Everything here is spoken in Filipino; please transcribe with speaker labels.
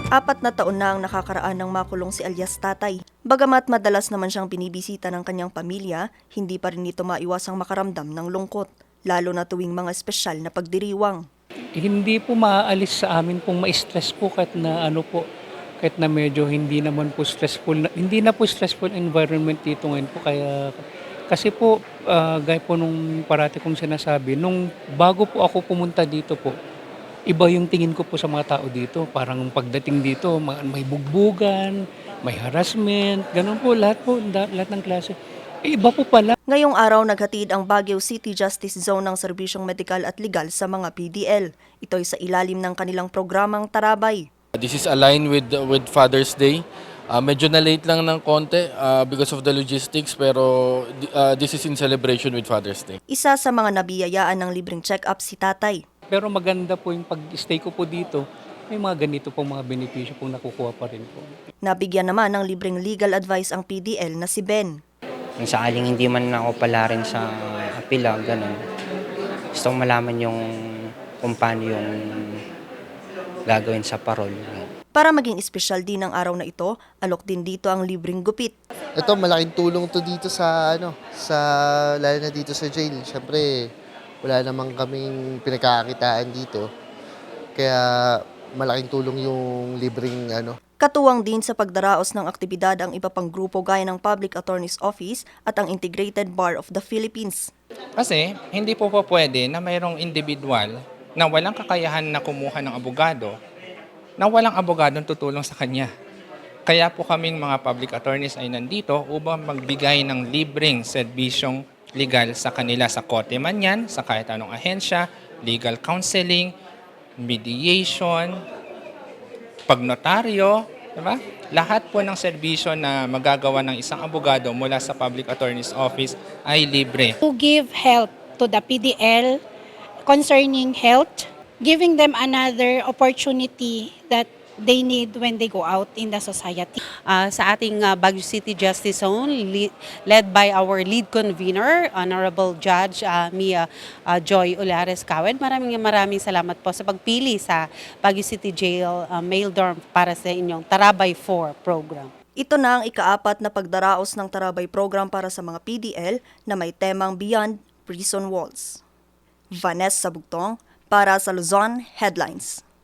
Speaker 1: 4 na taon na ang nakakaraan ng makulong si alias Tatay. Bagamat madalas naman siyang binibisita ng kanyang pamilya, hindi pa rin ito maiwasang makaramdam ng lungkot, lalo na tuwing mga espesyal na pagdiriwang.
Speaker 2: Hindi po maaalis sa amin pong ma-stress po kahit na kahit na medyo hindi na po stressful environment dito ngayon po kaya kasi po gaya po nung parati kong sinasabi, nung bago po ako pumunta dito po, iba yung tingin ko po sa mga tao dito. Parang pagdating dito, may bugbugan, may harassment, ganun po, lahat ng klase. Iba po pala.
Speaker 1: Ngayong araw naghatid ang Baguio City Justice Zone ng serbisyong medikal at legal sa mga PDL. Ito'y sa ilalim ng kanilang programang Tarabay.
Speaker 3: This is aligned with Father's Day. Medyo na-late lang ng konti because of the logistics pero this is in celebration with Father's Day.
Speaker 1: Isa sa mga nabiyayaan ng libreng check-up si Tatay.
Speaker 2: Pero maganda po yung pag-stay ko po dito, may mga ganito pong mga benepisyo pong nakukuha pa rin po.
Speaker 1: Nabigyan naman ng libreng legal advice ang PDL na si Ben.
Speaker 4: Kung sakaling hindi man ako pala rin sa apila, ganun. Gusto kong malaman yung kung paano yung gagawin sa parol.
Speaker 1: Para maging espesyal din ang araw na ito, alok din dito ang libreng gupit.
Speaker 5: Ito, malaking tulong to dito lalo na dito sa jail. Siyempre, wala namang kaming pinagkakakitaan dito. Kaya malaking tulong yung libreng
Speaker 1: Katuwang din sa pagdaraos ng aktibidad ang iba pang grupo gaya ng Public Attorney's Office at ang Integrated Bar of the Philippines.
Speaker 6: Kasi hindi po pwede na mayroong individual na walang kakayahan na kumuha ng abogado, na walang abogadong tutulong sa kanya. Kaya po kaming mga public attorneys ay nandito upang magbigay ng libreng serbisyong legal sa kanila sa korte man yan, sa kahit anong ahensya, legal counseling, mediation, pagnotaryo, diba? Lahat po ng serbisyo na magagawa ng isang abogado mula sa Public Attorney's Office ay libre.
Speaker 7: To give help to the PDL concerning health, giving them another opportunity that they need when they go out in the society.
Speaker 8: Sa ating Baguio City Justice Zone, led by our lead convener, Honorable Judge Mia Joy Olares Kawed. Maraming salamat po sa pagpili sa Baguio City Jail Male Dorm para sa inyong Tarabay 4 program.
Speaker 1: Ito na ang ika-4 na pagdaraos ng Tarabay program para sa mga PDL na may temang Beyond Prison Walls. Vanessa Bugtong para sa Luzon Headlines.